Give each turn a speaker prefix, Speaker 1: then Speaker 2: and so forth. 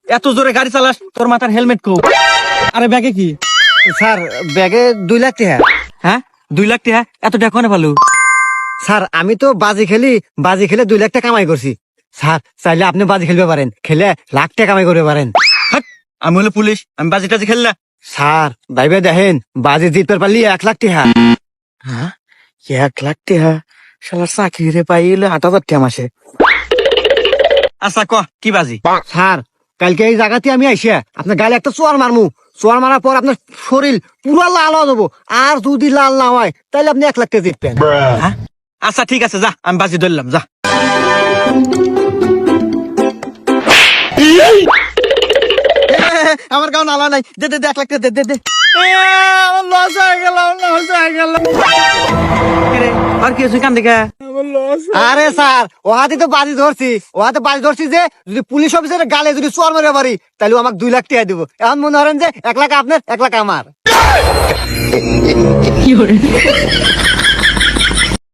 Speaker 1: এত জোরে গাড়ি চালাস, তোর মাথার হেলমেট কো? আরে ব্যাগে কি?
Speaker 2: স্যার ব্যাগে 2 লাখ টাকা।
Speaker 1: হ্যাঁ 2 লাখ টাকা? এত টাকা কোনে ভালো?
Speaker 2: স্যার আমি তো বাজি খেলে 2 লাখ টাকা কামাই করছি। স্যার চাইলে আপনি বাজি খেলতে পারেন, খেলে লাখ টাকা কামাই করতে পারেন।
Speaker 1: হাট, আমি হলো পুলিশ, আমি বাজি টাজি খেললা?
Speaker 2: স্যার ভাইবে দেখেন, বাজি জিততে পারলি 1 লাখ টাকা।
Speaker 1: হ্যাঁ 1 লাখ টাকা? শালার চাকরি রে পাইলে 8,000 টাকা মাসে। আচ্ছা ক কি বাজি?
Speaker 2: স্যার কালকে এই জায়গাতে আমি আইসা আপনার গালে একটা চোয়ার মারমু। চোয়ার মারার পর আপনার শরীর পুরো লাল হয়ে যাবো, আর যদি লাল না হয় তাহলে আপনি 1 লাখ টাকা জিতবেন।
Speaker 1: হ্যাঁ আচ্ছা ঠিক আছে, যা আমি বাজি ধরলাম, যা। আমার গাও নালা নাই, দে দে 1 লাখ টাকা দে। আমার লস হয়ে গেল। আর কি হয়েছে কান দেখা?
Speaker 2: আরে স্যার ও হাতে তো বাজি ধরছি যে যদি পুলিশ অফিসারের গালে যদি চোয়ার মারে পারি তাহলে ও আমাকে 2 লাখ টাকা দিব। এখন মনে করেন যে 1 লাখ আপনার 1 লাখ আমার।